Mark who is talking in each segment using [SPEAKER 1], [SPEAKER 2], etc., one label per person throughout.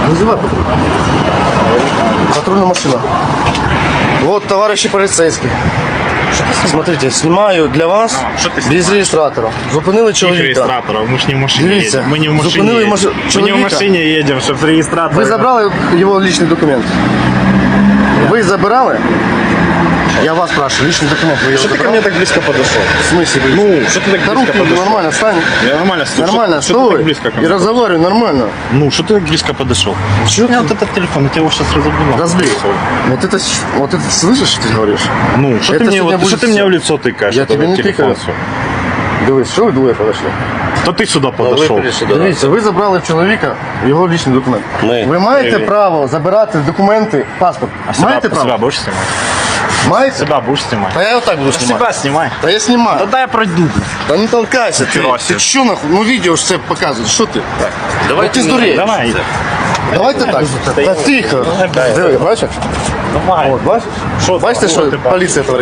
[SPEAKER 1] Вызывай патрульную машину. Вот, товарищи полицейские. Смотрите, снимаю для вас без реєстратора. Зупинили чоловіка.
[SPEAKER 2] Реєстратора, ми ж не в машині
[SPEAKER 1] Дивіться,
[SPEAKER 2] їдемо. Ми не в машині
[SPEAKER 1] зупинили
[SPEAKER 2] їдемо. Ми не в машині їдемо, щоб реєстратор.
[SPEAKER 1] Ви забрали його личний документ? Ви забирали? Я вас спрашиваю, личный документ вы его
[SPEAKER 2] Что ты ко
[SPEAKER 1] забрали?
[SPEAKER 2] мне так близко подошел?
[SPEAKER 1] В смысле?
[SPEAKER 2] Ну, что ты так
[SPEAKER 1] Да
[SPEAKER 2] близко
[SPEAKER 1] руки
[SPEAKER 2] подошел?
[SPEAKER 1] нормально, встань.
[SPEAKER 2] Я нормально стою.
[SPEAKER 1] Нормально,
[SPEAKER 2] Что ты
[SPEAKER 1] стой.
[SPEAKER 2] так близко ко
[SPEAKER 1] И
[SPEAKER 2] мне?
[SPEAKER 1] разговаривай нормально.
[SPEAKER 2] Ну, что ты так близко подошел?
[SPEAKER 1] Чё
[SPEAKER 2] У меня
[SPEAKER 1] ты?
[SPEAKER 2] вот этот телефон, я тебя его сейчас разобью.
[SPEAKER 1] Разбей. Вот это слышишь, что ты говоришь?
[SPEAKER 2] Ну, что
[SPEAKER 1] Это
[SPEAKER 2] ты мне,
[SPEAKER 1] сегодня
[SPEAKER 2] вот, что
[SPEAKER 1] будет
[SPEAKER 2] ты мне
[SPEAKER 1] всё.
[SPEAKER 2] в лицо тыкаешь?
[SPEAKER 1] Я
[SPEAKER 2] вот
[SPEAKER 1] тебе
[SPEAKER 2] этот
[SPEAKER 1] не
[SPEAKER 2] телефон
[SPEAKER 1] тыкаю.
[SPEAKER 2] всё?
[SPEAKER 1] Дивись, що ви двоє подошли?
[SPEAKER 2] То ты сюда подошел.
[SPEAKER 1] Дивіться, ви забрали в чоловіка його личний документ. Ви маєте право забирати документи, паспорт. Маєте
[SPEAKER 2] Себя
[SPEAKER 1] право?
[SPEAKER 2] будешь снимать?
[SPEAKER 1] Маєте?
[SPEAKER 2] Себя будешь снимать?
[SPEAKER 1] Та я отак буду знімати.
[SPEAKER 2] Себя снимай.
[SPEAKER 1] Та я знімаю.
[SPEAKER 2] Да дай я пройду.
[SPEAKER 1] Та не толкайся, ти.
[SPEAKER 2] Нічого
[SPEAKER 1] Ти
[SPEAKER 2] собі.
[SPEAKER 1] що нахуй? Ну відео ж це показує. Що ти?
[SPEAKER 2] Давай
[SPEAKER 1] ти здурієш.
[SPEAKER 2] Давай.
[SPEAKER 1] Давайте так. Та тихо. Диви, бачиш?
[SPEAKER 2] Давай.
[SPEAKER 1] От, бачиш? Бачите, що поліція творить?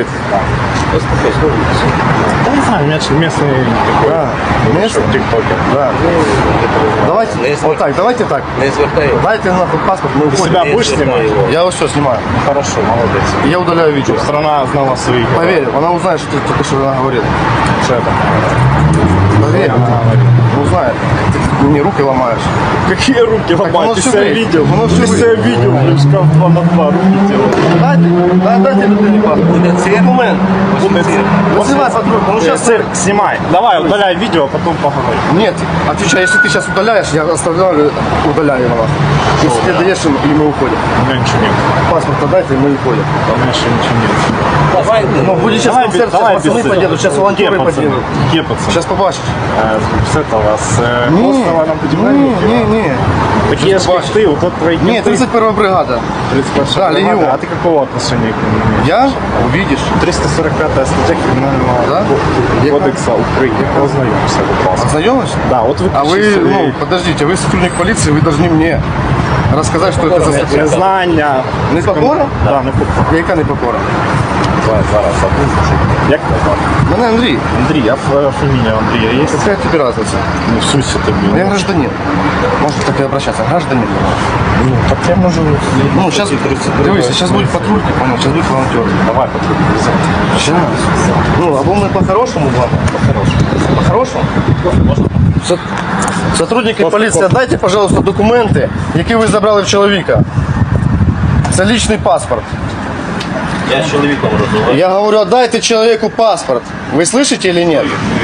[SPEAKER 2] Да не знаю, у меня местный такой.
[SPEAKER 1] Да. Местный?
[SPEAKER 2] Тиктокер.
[SPEAKER 1] Да. Давайте, вот так, давайте так.
[SPEAKER 3] Не звертаю.
[SPEAKER 1] Дайте нахуй паспорт, мы
[SPEAKER 2] Ты
[SPEAKER 1] уходим.
[SPEAKER 2] себя будешь снимать?
[SPEAKER 1] Я вот все снимаю.
[SPEAKER 2] Хорошо, молодец.
[SPEAKER 1] Я удаляю видео.
[SPEAKER 2] Страна знала своих.
[SPEAKER 1] Поверь, она узнает, что ты только что она говорит.
[SPEAKER 2] Что это?
[SPEAKER 1] Поверь, узнает. Ты мне руки ломаешь.
[SPEAKER 2] Какие руки
[SPEAKER 1] оно
[SPEAKER 2] ломать? Ты
[SPEAKER 1] всё
[SPEAKER 2] себя
[SPEAKER 1] видит.
[SPEAKER 2] видел?
[SPEAKER 1] Оно всё
[SPEAKER 2] Ты себя
[SPEAKER 1] видит.
[SPEAKER 2] видел? Блин, шкаф 2 на 2 руки делал.
[SPEAKER 1] Дайте людині паспорт. Документ. Вызывай патруль. Ну сейчас
[SPEAKER 2] Цирк, снимай. Давай, удаляй видео, а потом поговорим.
[SPEAKER 1] Нет, отвечай, если ты сейчас удаляешь, я оставляю, удаляю его нахуй. Если ты даешь им, и мы уходим.
[SPEAKER 2] У меня ничего нет.
[SPEAKER 1] Паспорт отдайте, и мы уходим.
[SPEAKER 2] У меня еще ничего нет.
[SPEAKER 3] Давай,
[SPEAKER 1] Ну, будет сейчас концерт, сейчас пацаны подъедут, сейчас волонтеры
[SPEAKER 2] Где пацаны?
[SPEAKER 1] подъедут.
[SPEAKER 2] Где пацаны?
[SPEAKER 1] Сейчас побачишь.
[SPEAKER 2] С этого, с острова нам будем на них.
[SPEAKER 1] Не.
[SPEAKER 2] Такие же, как ты, вот твои
[SPEAKER 1] Не, 31-я бригада.
[SPEAKER 2] 31
[SPEAKER 1] Да, Легион.
[SPEAKER 2] А ты какого отношения к нему имеешь?
[SPEAKER 1] Я? Увидишь.
[SPEAKER 2] 345 статья Криминального
[SPEAKER 1] Да?
[SPEAKER 2] кодекса Украины. Ознайомься, будь ласка.
[SPEAKER 1] Ознакомились?
[SPEAKER 2] Да, вот вы
[SPEAKER 1] А вы, ну, подождите, вы сотрудник полиции, вы должны мне рассказать, что это за статья.
[SPEAKER 2] Незнання.
[SPEAKER 1] Непокора?
[SPEAKER 2] Да, непокора.
[SPEAKER 1] Яка непокора?
[SPEAKER 2] Зараз як тебе звати?
[SPEAKER 1] Мене Андрій.
[SPEAKER 2] Андрій, а фамілія Андрія є?
[SPEAKER 1] Какая тебе разница?
[SPEAKER 2] Ну, в сумісі тобі.
[SPEAKER 1] Я гражданин. Можно так и обращаться. Гражданин.
[SPEAKER 2] Ну, так я можу...
[SPEAKER 1] Ну, сейчас, дивись, сейчас будет патруль, понял, сейчас будет волонтер.
[SPEAKER 2] Давай, патруль.
[SPEAKER 1] Сейчас. Ну, або мы по-хорошему, ладно? По-хорошему. По-хорошему? Сотрудники поліції, отдайте, пожалуйста, документи, які ви забрали в чоловіка. Це личний паспорт.
[SPEAKER 3] я з чоловіком розмовляю.
[SPEAKER 1] Я говорю, отдайте человеку паспорт. Вы слышите или нет?